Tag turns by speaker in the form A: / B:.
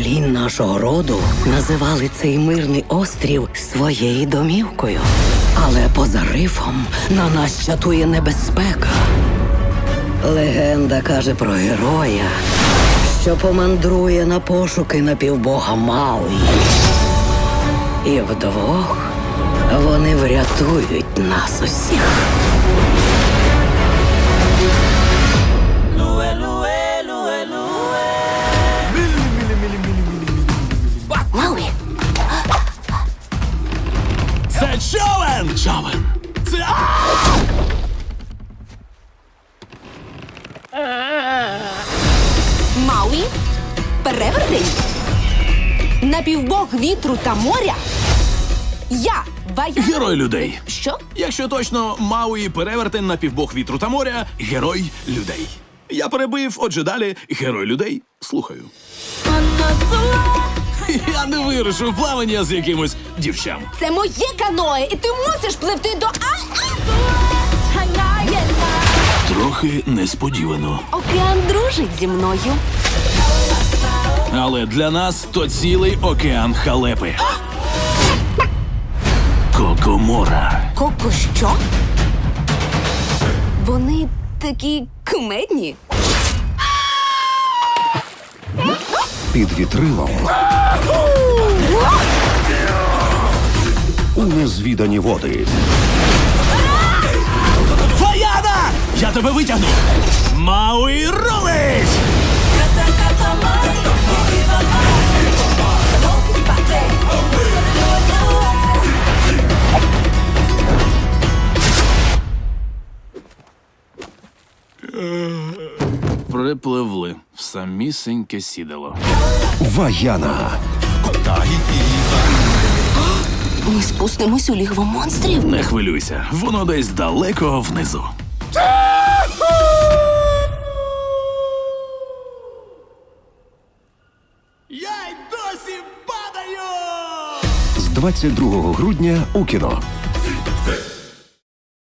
A: поколінь нашого роду називали цей мирний острів своєю домівкою. Але поза рифом на нас чатує небезпека. Легенда каже про героя, що помандрує на пошуки напівбога Мауї. І вдвох вони врятують нас усіх.
B: Мауі,
C: Це човен! Човен! Це...
B: Мауі, перевертень, напівбог вітру та моря. Я, Ваяна...
C: Герой людей.
B: Що?
C: Якщо точно, Мауї перевертень на півбог вітру та моря, герой людей. Я перебив, отже далі, герой людей. Слухаю. Я не вирушу в плавання з якимось дівчам.
B: Це моє каное, і ти мусиш пливти до...
C: Трохи несподівано.
B: Океан дружить зі мною.
C: Але для нас то цілий океан халепи. Кокомора.
B: Коко що? Вони такі кумедні.
D: Під вітрилом у незвідані води.
C: Фаяна! Я тебе витягну! Мауї рулить! Припливли в самісіньке сідало.
D: Ваяна.
B: Ми спустимось у лігво монстрів.
C: Не хвилюйся, воно десь далеко внизу. Я й досі падаю!
D: З 22 грудня у кіно.